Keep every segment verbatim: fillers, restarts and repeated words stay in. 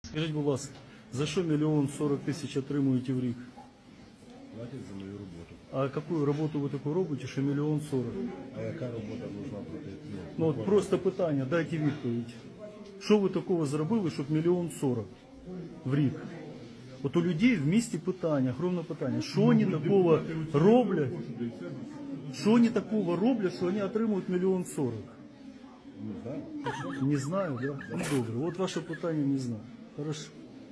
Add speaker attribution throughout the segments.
Speaker 1: Скажіть, будь ласка, за що мільйон сорок тисяч отримуєте в рік?
Speaker 2: Платять за мою роботу.
Speaker 1: А яку роботу ви таку робите, що мільйон сорок?
Speaker 2: А яка робота должна платити?
Speaker 1: Ну от просто питання, дайте відповідь. Що ви такого зробили, щоб мільйон сорок в рік? От у людей в місті питання, огромне питання. Що вони такого роблять? Що вони такого роблять, що вони отримують мільйон сорок? Не знаю, да? Ну добре, от ваше питання не знаю. Хорошо.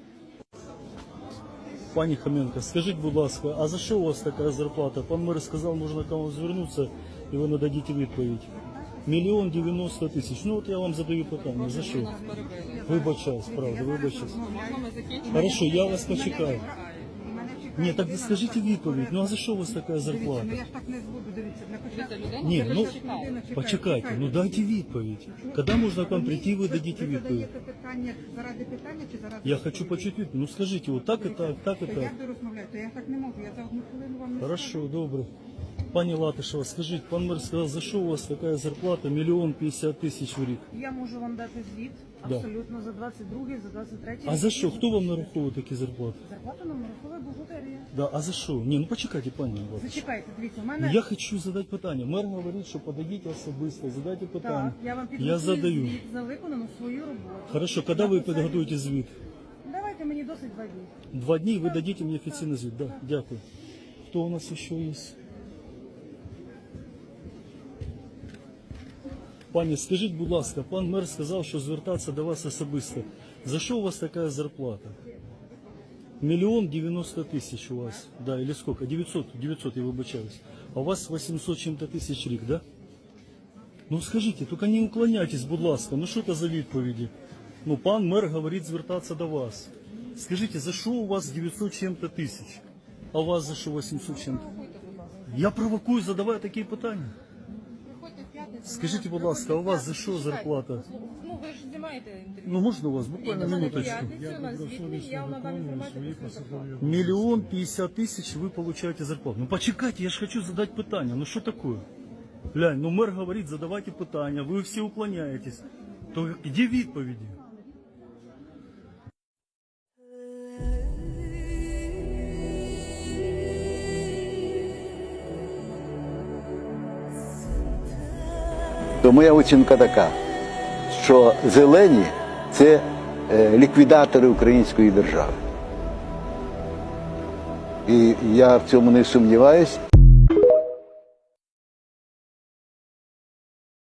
Speaker 1: Пані Хоменко, скажіть, будь ласка, а за що у вас така зарплата? Пан мер сказав, можна к вам звернутися і ви нададите відповідь. Мільйон дев'яносто тисяч. Ну от я вам задаю питання. За що? Вибачаюсь, правда, вибачаюсь. Хорошо, я вас почекаю. Ні, так скажіть відповідь. Ну а за що у вас така зарплата?
Speaker 3: Ну я ж так не буду, дивіться. На початку
Speaker 1: Ні, ну
Speaker 3: людина чекає.
Speaker 1: почекайте, ну дайте відповідь. Коли можна к вам прийти, ви дадите
Speaker 3: Ви
Speaker 1: відповідь.
Speaker 3: задаєте питання заради питання чи заради...
Speaker 1: Я хочу почути відповідь. Ну скажіть, от так і так, так і
Speaker 3: То
Speaker 1: так.
Speaker 3: як ви розмовляєте? Я так не можу, я за одну хвилину вам не
Speaker 1: Хорошо, добре. Пані Латишева, скажіть, пан мер сказав, за що у вас така зарплата мільйон п'ятдесят тисяч в рік?
Speaker 4: Я можу вам дати звіт
Speaker 1: Да.
Speaker 4: абсолютно за двадцять другий, за двадцять третій.
Speaker 1: А за що? Хто вам нараховує такі зарплати?
Speaker 4: Зарплату нам нараховує бухгалтерія.
Speaker 1: Да, а за що? Ні, ну почекайте, пані Латишева.
Speaker 4: Зачекайте, дивіться, у
Speaker 1: Ну,
Speaker 4: мене...
Speaker 1: я хочу задати питання. Мер говорить, що подадіть особисто, задайте питання.
Speaker 4: Так, я вам
Speaker 1: я
Speaker 4: підготую
Speaker 1: задаю.
Speaker 4: звіт за виконану свою роботу.
Speaker 1: Хорошо, коли ви підготуєте звіт?
Speaker 4: Давайте мені досить два дні.
Speaker 1: Два дні ви дадите мені офіційний звіт. Да, дякую. Хто у нас ще є? Пані, скажіть, будь ласка, пан мер сказав, що звертатися до вас особисто. За що у вас така зарплата? Миллион девяносто тысяч у вас, да, или сколько? девятьсот, девятьсот, я вибачаюсь. А у вас восемьсот чем-то тысяч рік, да? Ну скажіть, тільки не уклоняйтесь, будь ласка, ну що це за відповіді? Ну, пан мер говорить звертатися до вас. Скажіть, за що у вас дев'ятсот чем-то тисяч? А у вас за що восемьсот чем-то? Я провокую, задаваю такі питання. Скажіть, будь ласка, а у вас за що зарплата?
Speaker 5: Ну, ви ж знімаєте інтерв'ю.
Speaker 1: Ну, можна у вас буквально минуточку?
Speaker 5: П'ятницю у нас звітний, я вам надам інформацію про свою зарплату.
Speaker 1: Миллион пятьдесят тысяч вы получаете зарплату. Ну почекайте, я же хочу задать питание. Ну что такое? Глянь, ну мэр говорит, задавайте питання, вы все уклоняетесь. То где відповіді?
Speaker 6: То моя оцінка така, що зелені – це е, ліквідатори української держави. І я в цьому не сумніваюсь.